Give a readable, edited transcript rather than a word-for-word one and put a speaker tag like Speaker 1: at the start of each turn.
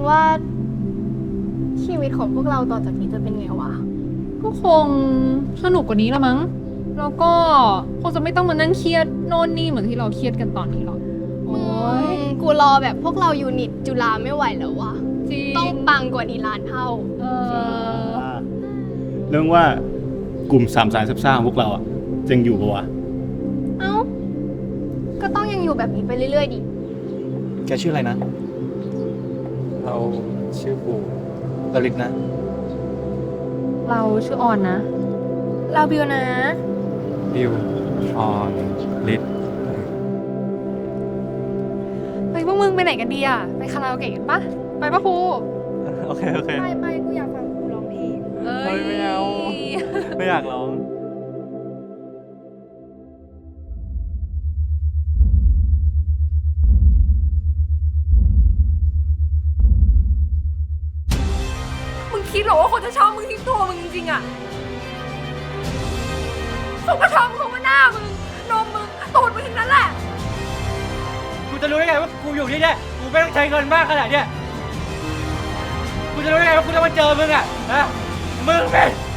Speaker 1: ว่าชีวิตของพวกเราต่อจากนี้จะเป็นไงวะ
Speaker 2: ก็คงสนุกกว่านี้ละมั้ง แล้วก็คงจะไม่ต้องมานั่งเครียดโน่นนี่เหมือนที่เราเครียดกันตอนนี้หรอก โอ้ย
Speaker 1: กูรอแบบพวกเรายูนิตจุฬาไม่ไหวแล้ววะ
Speaker 2: จริง
Speaker 1: ต้องปังกว่านี้ล้านเท่า
Speaker 2: เออ
Speaker 3: เรื่องว่ากลุ่มสามสายซับซ่าของพวกเราอ่ะจะยังอยู่ปะวะ
Speaker 1: เอ้า ก็ต้องยังอยู่แบบนี้ไปเรื่อยๆดิ
Speaker 3: แกชื่ออะไรนะ
Speaker 4: เราชื่อบูลลิตนะ
Speaker 2: เราชื่อออนนะ
Speaker 1: เราบิวนะ
Speaker 4: บิวออนลิต
Speaker 2: เฮ้ยพวกมึงไปไหนกันดีอ่ะ ไปคาราโอเกะกันปะไปปะครู
Speaker 4: โอเค โอเค
Speaker 1: ไปกูอยากฟังครูร้องเพลง
Speaker 2: เอ้
Speaker 4: เฮ้ยไม่เอา ไม่อยากร้อง
Speaker 2: มึงคิดเหรอว่าคนจะชอบมึงที่ตัวมึงจริงๆอ่ะเขาก็ชอบมึงเพราะว่าหน้ามึง นมมึง ตูดมึงทั้งนั้นแหละ
Speaker 5: กูจะรู้ได้ไงว่ากูอยู่ที่เนี่ยกูไม่ต้องใช้เงินมากขนาดเนี้ยกูจะรู้ได้ไงว่ากูจะมาเจอมึงอ่ะนะมึงเป็น